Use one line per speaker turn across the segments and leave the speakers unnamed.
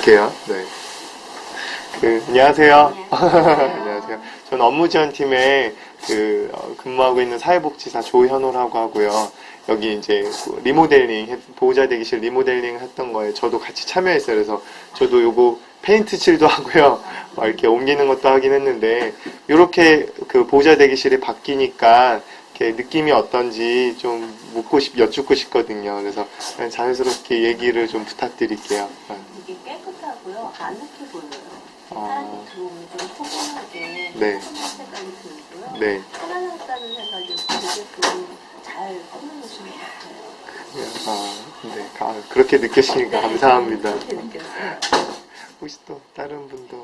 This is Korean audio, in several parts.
드릴게요. 네. 안녕하세요. 안녕하세요. 저는 업무지원팀에 근무하고 있는 사회복지사 조현호라고 하고요. 여기 이제 리모델링, 보호자 대기실 리모델링 했던 거에 저도 같이 참여했어요. 그래서 저도 요거 페인트 칠도 하고요. 막 이렇게 옮기는 것도 하긴 했는데, 요렇게 보호자 대기실이 바뀌니까 이렇게 느낌이 어떤지 좀 여쭙고 싶거든요. 그래서 그냥 자연스럽게 얘기를 좀 부탁드릴게요.
되게 깨끗하고요. 아늑해 보여요.
아.
사람이 들어오면 좀 포근하게
네.
편한 색깔이 들고요.
네.
편안하다는 생각이 되게 잘 꾸며주신 것 같아요.
네. 그렇게 느끼시니까 감사합니다.
그렇게 느꼈어요.
혹시 또 다른 분도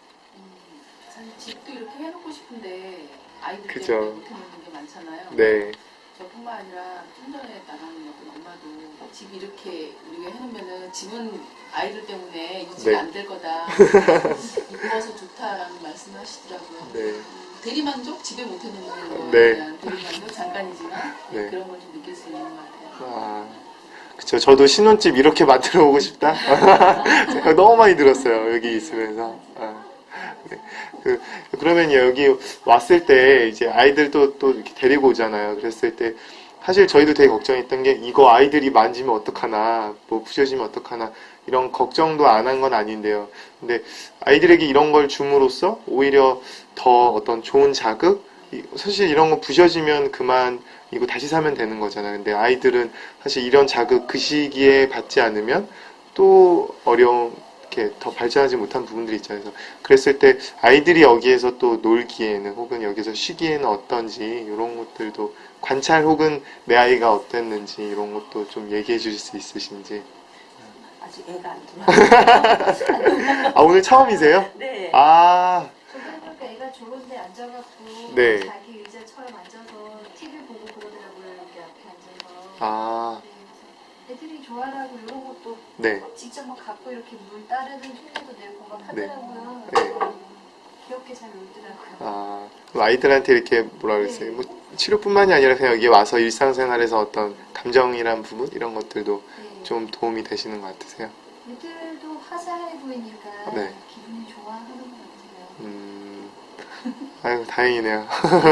사실 집도 이렇게 해놓고 싶은데 아이들
그죠.
때문에 못해놓는 게 많잖아요.
네.
저뿐만 아니라 좀 전에 나가는 어떤 엄마도 집 이렇게 우리가 해놓으면은 집은 아이들 때문에 유지가
네.
안 될 거다. 이뻐서 좋다라는 말씀을 하시더라고요.
네.
대리만족? 집에 못해놓는 거에
네.
대한 대리만족 잠깐이지만
네.
그런 걸 좀 느낄 수 있는 것 같아요.
그쵸. 저도 신혼집 이렇게 만들어 보고 싶다. 생각 너무 많이 들었어요. 여기 있으면서. 네. 그러면 여기 왔을 때 이제 아이들도 또 이렇게 데리고 오잖아요. 그랬을 때 사실 저희도 되게 걱정했던 게 이거 아이들이 만지면 어떡하나, 뭐 부셔지면 어떡하나 이런 걱정도 안 한 건 아닌데요. 근데 아이들에게 이런 걸 줌으로써 오히려 더 어떤 좋은 자극? 사실 이런 거 부셔지면 그만 이거 다시 사면 되는 거잖아요. 근데 아이들은 사실 이런 자극 그 시기에 받지 않으면 또 어려운 이렇게 더 발전하지 못한 부분들이 있잖아요. 그래서 그랬을 때 아이들이 여기에서 또 놀기에는 혹은 여기서 쉬기에는 어떤지 이런 것들도 관찰 혹은 내 아이가 어땠는지 이런 것도 좀 얘기해 주실 수 있으신지.
아직 애가 안 들어와요.
오늘 처음이세요?
네.
저번에 애가 좋은데 앉아갖고
네.
자기 의자처럼 앉아서 TV 보고 그러더라고요. 여기 앞에 앉아서. 네, 그래서 애들이 좋아하고 이런 것도
네.
직접 막 갖고 이렇게 물 따르는 흉내도 내고 막 하더라고요.
네.
귀엽게 잘 놀더라고요.
그럼 아이들한테 이렇게 뭐라 그랬어요? 뭐 치료뿐만이 아니라 그냥 여기 와서 일상생활에서 어떤 감정이란 부분 이런 것들도
네.
좀 도움이 되시는 것 같으세요?
애들도 화사해 보이니까
네.
기분이 좋아하는 것 같아요.
아유 다행이네요.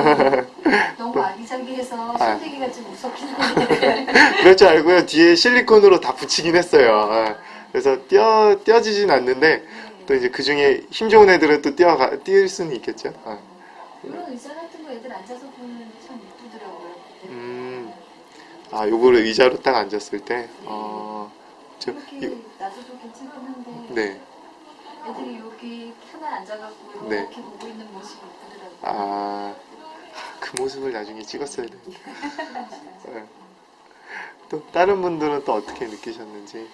너무 아기자기해서
아.
손대기가 좀 무섭긴 한데.
그럴 줄 알고요. 뒤에 실리콘으로 다 붙이긴 했어요. 그래서 띄어지진 않는데 또 이제 그 중에 힘 좋은 애들은 또 띄울 수는 있겠죠.
이런 의자 같은 거 애들 앉아서 보면 참 이쁘더라고요.
요거를 의자로 딱 앉았을 때.
이렇게 놔둬도 괜찮긴 한데.
네.
애들이 여기 편안 앉아갖고
네.
이렇게 보고 있는 모습이 이쁘더라고요.
그 모습을 나중에 찍었어야 되는데. 또 다른 분들은 또 어떻게 느끼셨는지.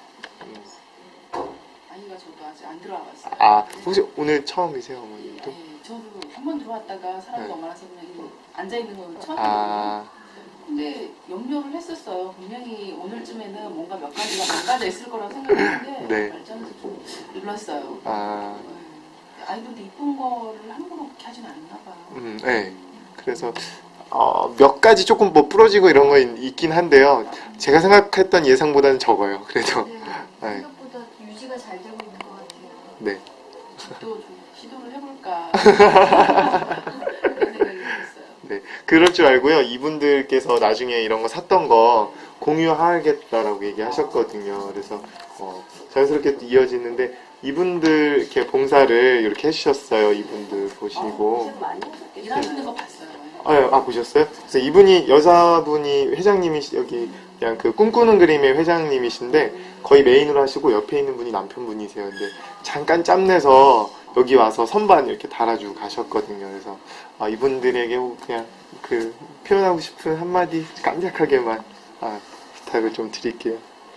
아이가 저도 아직 안 들어와봤어요.
혹시 오늘 처음이세요, 어머님도?
네, 저도 한 번 들어왔다가 사람이
네.
많아서 그냥 앉아있는 건 처음이에요.
아,
근데 염려를 했었어요. 분명히 오늘쯤에는 뭔가 몇 가지가 망가져 있을 거라고 생각했는데
네.
발전해서 좀 놀랐어요.
아,
네. 아이들도 이쁜 거를 함부로 그렇게 하진 않나 봐요.
네. 그래서 몇 가지 조금 뭐 부러지고 이런 거 있긴 한데요. 제가 생각했던 예상보다는 적어요. 그래도
네,
네.
생각보다 유지가 잘 되고 있는 것 같아요.
네.
또 좀 시도를 해볼까 그런 생각이 들었어요.
네, 그럴 줄 알고요. 이분들께서 나중에 이런 거 샀던 거 공유하겠다라고 얘기하셨거든요. 그래서 자연스럽게 또 이어지는데 이분들 이렇게 봉사를 이렇게 해주셨어요. 이분들 보시고.
고생 많이 하셨겠어요.
일하시는 거 봤어요.
보셨어요? 그래서 이분이 여자분이 여기 그냥 꿈꾸는 그림의 회장님이신데 거의 메인으로 하시고 옆에 있는 분이 남편분이세요. 근데 잠깐 짬내서 여기 와서 선반 이렇게 달아주고 가셨거든요. 그래서 이분들에게 그냥 표현하고 싶은 한마디 깜짝하게만 부탁을 좀 드릴게요.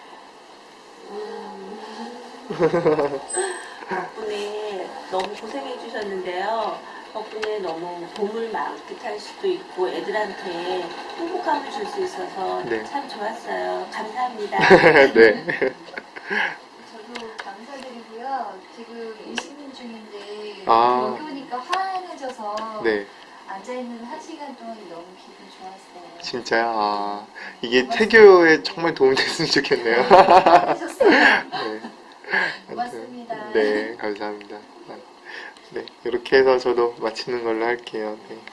덕분에 너무 고생해 주셨는데요. 덕분에 너무 도움을 만끽할 수도 있고 애들한테 행복감을 줄 수 있어서
네.
참 좋았어요. 감사합니다.
네.
저도 감사드리고요. 지금 임신 중인데
아.
여기 오니까 환해져서
네.
앉아있는 1시간 동안 너무 기분 좋았어요.
진짜요? 이게 태교에 정말 도움이 됐으면 좋겠네요.
하셨어요.
네.
고맙습니다.
네, 감사합니다. 네, 이렇게 해서 저도 마치는 걸로 할게요. 네.